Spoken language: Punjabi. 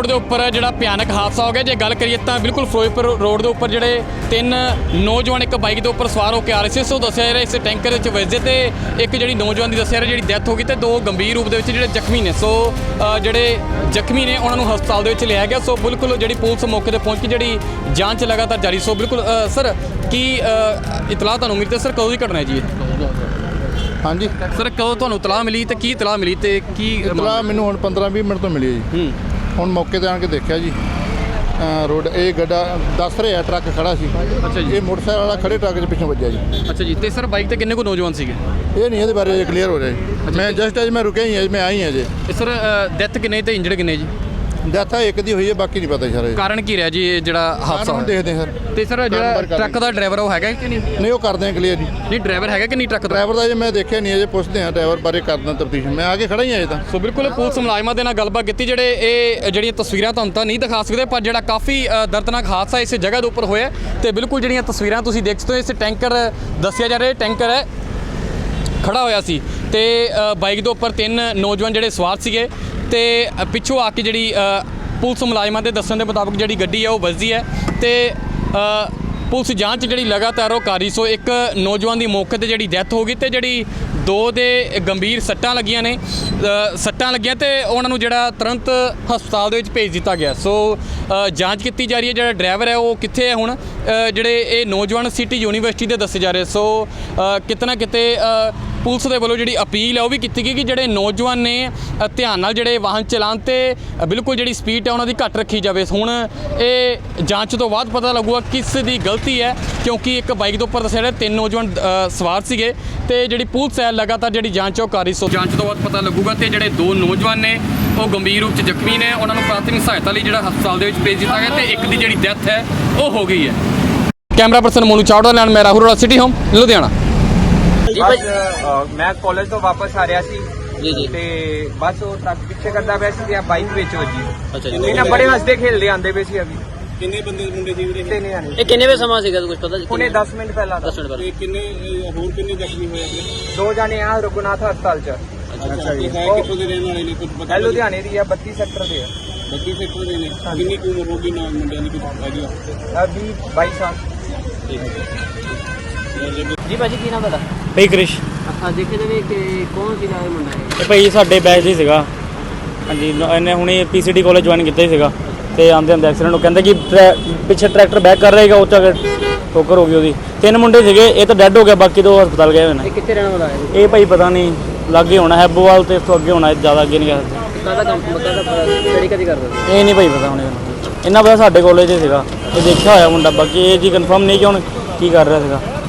ਦੇ ਉੱਪਰ ਜਿਹੜਾ ਭਿਆਨਕ ਹਾਦਸਾ ਹੋ ਗਿਆ। ਜੇ ਗੱਲ ਕਰੀਏ ਤਾਂ ਬਿਲਕੁਲ ਫਿਰੋਜ਼ਪੁਰ ਰੋਡ ਦੇ ਉੱਪਰ ਜਿਹੜੇ ਤਿੰਨ ਨੌਜਵਾਨ ਇੱਕ ਬਾਈਕ ਦੇ ਉੱਪਰ ਸਵਾਰ ਹੋ ਕੇ ਆ ਰਹੇ ਸੀ। ਸੋ ਦੱਸਿਆ ਜਾ ਰਿਹਾ ਇਸ ਟੈਂਕਰ ਵਿੱਚ ਵੱਜੇ ਤੇ ਇੱਕ ਜਿਹੜੀ ਨੌਜਵਾਨ ਦੀ ਦੱਸਿਆ ਜਾ ਰਿਹਾ ਜਿਹੜੀ ਡੈਥ ਹੋ ਗਈ ਤੇ ਦੋ ਗੰਭੀਰ ਰੂਪ ਦੇ ਵਿੱਚ ਜਿਹੜੇ ਜ਼ਖਮੀ ਨੇ। ਸੋ ਜਿਹੜੇ ਜ਼ਖਮੀ ਨੇ ਉਹਨਾਂ ਨੂੰ ਹਸਪਤਾਲ ਦੇ ਵਿੱਚ ਲਿਆਇਆ ਗਿਆ। ਸੋ ਬਿਲਕੁਲ ਜਿਹੜੀ ਪੁਲਿਸ ਮੌਕੇ ਤੇ ਪਹੁੰਚ ਕੇ ਜਿਹੜੀ ਜਾਂਚ ਲਗਾਤਾਰ ਜਾਰੀ। ਸੋ ਬਿਲਕੁਲ ਸਰ ਕੀ ਇਤਲਾਹ ਤੁਹਾਨੂੰ ਮਿਲੀ ਤੇ ਸਰ ਕਦੋਂ ਦੀ ਘਟਨਾ ਹੈ ਜੀ ਇਹ? ਹਾਂਜੀ ਸਰ ਕਦੋਂ ਤੁਹਾਨੂੰ ਇਤਲਾਹ ਮਿਲੀ ਤੇ ਕੀ ਇਤਲਾਹ ਮਿਲੀ ਤੇ ਕੀ ਇਤਲਾਹ ਮੈਨੂੰ ਹੁਣ 15-20 ਮਿੰਟ ਤੋਂ ਮਿਲੀ ਹੈ ਜੀ। ਹੁਣ ਮੌਕੇ ਤੇ ਆਣ ਕੇ ਦੇਖਿਆ ਜੀ ਰੋਡ ਇਹ ਗੱਡਾ ਦੱਸ ਰਿਹਾ ਟਰੱਕ ਖੜਾ ਸੀ। ਅੱਛਾ ਜੀ। ਇਹ ਮੋਟਰਸਾਈਕਲ ਵਾਲਾ ਖੜੇ ਟਰੱਕ ਦੇ ਪਿੱਛੋਂ ਵੱਜਿਆ ਜੀ। ਅੱਛਾ ਜੀ। ਤੇ ਸਰ ਬਾਈਕ ਤੇ ਕਿੰਨੇ ਕੁ ਨੌਜਵਾਨ ਸੀਗੇ? ਇਹ ਨਹੀਂ ਇਹਦੇ ਬਾਰੇ ਕਲੀਅਰ ਹੋ ਰਿਹਾ ਜੀ। ਮੈਂ ਜਸਟ ਅੱਜ ਮੈਂ ਰੁਕਿਆ ਹੀ ਹਾਂ, ਮੈਂ ਆਈ ਹਾਂ ਜੀ। ਸਰ ਡੈਥ ਕਿੰਨੇ ਤੇ ਇੰਜਰਡ ਕਿੰਨੇ ਜੀ? ਡੈਥ ਇੱਕ ਦੀ ਹੋਈ ਹੈ, ਬਾਕੀ ਨਹੀਂ ਪਤਾ ਸਰ। ਕਾਰਨ ਕੀ ਰਿਹਾ ਜੀ ਇਹ ਜਿਹੜਾ ਹਾਦਸਾ ਹੁਣ ਦੇਖਦੇ ਸਰ। ਤੇ ਸਰ ਜਿਹੜਾ ਟਰੱਕ ਦਾ ਡਰਾਈਵਰ ਉਹ ਹੈਗਾ ਕਿ ਨਹੀਂ? ਨਹੀਂ ਉਹ ਕਰਦੇ ਆ ਕਲੀਅਰ ਜੀ। ਨਹੀਂ ਡਰਾਈਵਰ ਹੈਗਾ ਕਿ ਨਹੀਂ ਟਰੱਕ ਦਾ? ਡਰਾਈਵਰ ਦਾ ਜੇ ਮੈਂ ਦੇਖਿਆ ਨਹੀਂ, ਅਜੇ ਪੁੱਛਦੇ ਆ ਡਰਾਈਵਰ ਬਾਰੇ ਕਰਦਾ ਤਫਤੀਸ਼। ਮੈਂ ਆ ਕੇ ਖੜਾ ਹੀ ਆ ਅਜੇ ਤਾਂ। ਸੋ ਬਿਲਕੁਲ ਪੁਲਿਸ ਮੁਲਾਜ਼ਮਾਂ ਦੇ ਨਾਲ ਗੱਲਬਾਤ ਕੀਤੀ। ਜਿਹੜੇ ਇਹ ਜਿਹੜੀਆਂ ਤਸਵੀਰਾਂ ਤੁਹਾਨੂੰ ਤਾਂ ਨਹੀਂ ਦਿਖਾ ਸਕਦੇ, ਪਰ ਜਿਹੜਾ ਕਾਫੀ ਦਰਦਨਾਕ ਹਾਦਸਾ ਇਸ ਜਗ੍ਹਾ ਦੇ ਉੱਪਰ ਹੋਇਆ ਤੇ ਬਿਲਕੁਲ ਜਿਹੜੀਆਂ ਤਸਵੀਰਾਂ ਤੁਸੀਂ ਦੇਖ ਸਕਦੇ ਹੋ, ਇਸ ਟੈਂਕਰ ਦੱਸਿਆ ਜਾ ਰਿਹਾ ਟੈਂਕਰ ਹੈ ਖੜਾ ਹੋਇਆ ਸੀ ਤੇ ਬਾਈਕ ਦੇ ਉੱਪਰ ਤਿੰਨ ਨੌਜਵਾਨ ਜਿਹੜੇ ਸਵਾਰ ਸੀਗੇ ਤੇ ਪਿੱਛੋਂ ਆ ਕੇ ਜਿਹੜੀ ਪੁਲਿਸ ਮੁਲਾਜ਼ਮਾਂ ਦੇ ਦੱਸਣ ਦੇ ਮੁਤਾਬਕ ਜਿਹੜੀ ਗੱਡੀ ਹੈ ਉਹ ਵੱਜਦੀ ਹੈ ਤੇ ਪੁਲਿਸ ਜਾਂਚ ਜਿਹੜੀ ਲਗਾਤਾਰ ਉਹ ਕਰ ਰਹੀ। ਸੋ ਇੱਕ ਨੌਜਵਾਨ ਦੀ ਮੌਕੇ ਤੇ ਜਿਹੜੀ ਡੈਥ ਹੋ ਗਈ ਤੇ ਜਿਹੜੀ ਦੋ ਦੇ ਗੰਭੀਰ ਸੱਟਾਂ ਲੱਗੀਆਂ ਨੇ ਤੇ ਉਹਨਾਂ ਨੂੰ ਜਿਹੜਾ ਤੁਰੰਤ ਹਸਪਤਾਲ ਦੇ ਵਿੱਚ ਭੇਜ ਦਿੱਤਾ ਗਿਆ। ਸੋ ਜਾਂਚ ਕੀਤੀ ਜਾ ਰਹੀ ਹੈ। ਜਿਹੜਾ ਡਰਾਈਵਰ ਹੈ ਉਹ ਕਿੱਥੇ ਹੈ ਹੁਣ? ਜਿਹੜੇ ਇਹ ਨੌਜਵਾਨ ਸਿਟੀ ਯੂਨੀਵਰਸਿਟੀ ਦੇ ਦੱਸੇ ਜਾ ਰਹੇ। ਸੋ ਕਿਤੇ ਨਾ ਕਿਤੇ ਪੁਲਿਸ ਦੇ ਵੱਲੋਂ ਜਿਹੜੀ ਅਪੀਲ ਹੈ ਉਹ ਵੀ ਕੀਤੀ ਗਈ ਕਿ ਜਿਹੜੇ ਨੌਜਵਾਨ ਨੇ ਧਿਆਨ ਨਾਲ ਜਿਹੜੇ ਵਾਹਨ ਚਲਾਉਣ ਤੇ ਬਿਲਕੁਲ ਜਿਹੜੀ ਸਪੀਡ ਹੈ ਉਹਨਾਂ ਦੀ ਘੱਟ ਰੱਖੀ ਜਾਵੇ। ਹੁਣ ਇਹ ਜਾਂਚ ਤੋਂ ਬਾਅਦ ਪਤਾ ਲੱਗੂਗਾ ਕਿਸ ਦੀ ਗਲਤੀ ਹੈ, ਕਿਉਂਕਿ ਇੱਕ ਬਾਈਕ ਦੇ ਉੱਪਰ ਦੱਸਿਆ ਤਿੰਨ ਨੌਜਵਾਨ ਸਵਾਰ ਸੀਗੇ ਤੇ ਜਿਹੜੀ ਪੁਲਿਸ ਹੈ ਲਗਾਤਾਰ ਜਿਹੜੀ ਜਾਂਚ ਉਹ ਕਰ ਰਹੀ। ਸੋ ਜਾਂਚ ਤੋਂ ਬਾਅਦ ਪਤਾ ਲੱਗੂਗਾ ਤੇ ਜਿਹੜੇ ਦੋ ਨੌਜਵਾਨ ਨੇ ਉਹ ਗੰਭੀਰ ਰੂਪ 'ਚ ਜ਼ਖਮੀ ਨੇ, ਉਹਨਾਂ ਨੂੰ ਪ੍ਰਾਥਮਿਕ ਸਹਾਇਤਾ ਲਈ ਜਿਹੜਾ ਹਸਪਤਾਲ ਦੇ ਵਿੱਚ ਭੇਜ ਦਿੱਤਾ ਗਿਆ ਤੇ ਇੱਕ ਦੀ ਜਿਹੜੀ ਡੈਥ ਹੈ ਉਹ ਹੋ ਗਈ ਹੈ। ਕੈਮਰਾ ਪਰਸਨ ਮੋਨੂ ਚਾਵੜਾ ਲੈਣ ਮੈਂ ਰਾਹੁਲ ਸਿਟੀ ਹੋਮ ਲੁਧਿਆਣਾ। ਜੀ ਭਾਈ ਮੈਂ ਕਾਲਜ ਤੋਂ ਵਾਪਸ ਆ ਰਿਹਾ ਸੀ ਜੀ ਤੇ ਬਸ ਉਹ ਟਰੱਕ ਪਿੱਛੇ ਕਰਦਾ ਪਿਆ ਸੀ ਤੇ ਬਾਈਕ ਵਿੱਚ ਵੱਜੀ। ਅੱਛਾ ਜੀ। ਇਹਨਾਂ ਬੜੇ ਹੱਸਦੇ ਖੇਲਦੇ ਆਂਦੇ ਪਏ ਸੀ ਅਭੀ। ਕਿੰਨੇ ਬੰਦੇ ਮੁੰਡੇ ਸੀ ਵੀਰੇ? ਤਿੰਨ ਜਾਣੇ। ਇਹ ਕਿੰਨੇ ਵੇ ਸਮਾਂ ਸੀਗਾ ਕੁਝ ਪਤਾ ਜੀ? ਹੁਣੇ 10 ਮਿੰਟ ਪਹਿਲਾਂ। 10 ਮਿੰਟ ਪਹਿਲਾਂ। ਤੇ ਕਿੰਨੇ ਹੋਰ ਕਿੰਨੇ ਜ਼ਖਮੀ ਹੋਏ ਆਪਣੇ? ਦੋ ਜਾਣੇ ਆ ਰਘੁਨਾਥ ਹਸਪਤਾਲ 'ਚ। ਅੱਛਾ ਜੀ। ਕਿੱਥੋਂ ਦੇ ਰਹਿਣ ਵਾਲੇ ਨੇ ਕੁਝ ਪਤਾ? ਲੁਧਿਆਣੇ ਦੀ ਆ, 32 ਸੈਕਟਰ ਦੇ ਆ। 32 ਸੈਕਟਰ ਦੇ ਨੇ। ਕਿੰਨੀ ਕੁ ਉਮਰ ਹੋਗੀ ਨਾਲ ਮੁੰਡਿਆਂ ਦੀ ਕੁਝ ਆਈਡੀਆ? 22 ਸਾਲ। ਠੀਕ ਹੈ ਜੀ। ਭਾਜੀ ਕੀ ਨਾਮ ਤੁਹਾਡਾ? ਭਾਈ ਕ੍ਰਿਸ਼। ਹਾਂ ਦੇਖੇ ਜਾਵੇ ਕਿ ਕੌਣ ਸੀ ਨਾਲ ਮੁੰਡਾ ਹੈ? ਇਹ ਭਾਈ ਸਾਡੇ ਬੈਚ ਹੀ ਸੀਗਾ। ਹਾਂਜੀ ਇਹਨੇ ਹੁਣੇ ਪੀਸੀਡੀ ਕਾਲਜ ਜੁਆਇਨ ਕੀਤਾ ਹੀ ਸੀਗਾ ਤੇ ਆਂਦੇ ਐਕਸੀਡੈਂਟ ਉਹ ਕਹਿੰਦੇ ਕਿ ਪਿੱਛੇ ਟਰੈਕਟਰ ਬੈਕ ਕਰ ਰਹੇਗਾ, ਉਹ ਚ ਠੋਕਰ ਹੋ ਗਈ ਉਹਦੀ। ਤਿੰਨ ਮੁੰਡੇ ਸੀਗੇ, ਇਹ ਤਾਂ ਡੈੱਡ ਹੋ ਗਿਆ, ਬਾਕੀ ਦੋ ਹਸਪਤਾਲ ਗਏ ਹੋਏ ਨੇ। ਇਹ ਕਿੱਥੇ ਰਹਿਣ ਵਾਲਾ ਹੈ? ਇਹ ਭਾਈ ਪਤਾ ਨਹੀਂ ਲਾਗੇ ਹੋਣਾ ਹੈਬੋਵਾਲ ਤੇ ਇਸ ਤੋਂ ਅੱਗੇ ਹੋਣਾ, ਜ਼ਿਆਦਾ ਅੱਗੇ ਨਹੀਂ ਗਿਆ। ਕਾਹਦਾ ਕੰਮ ਸਟੱਡੀ ਕਦੀ ਕਰਦਾ? ਇਹ ਨਹੀਂ ਭਾਈ ਪਤਾ ਹੁਣ ਇਹਨਾਂ ਪਤਾ ਸਾਡੇ ਕਾਲਜ 'ਚ ਸੀਗਾ, ਇਹ ਦੇਖਿਆ ਹੋਇਆ ਮੁੰਡਾ, ਬਾਕੀ ਇਹ ਜੀ ਕਨਫਰਮ ਨਹੀਂ ਕਿ ਹੁਣ ਕੀ ਕਰ ਰਿਹਾ ਸੀਗਾ।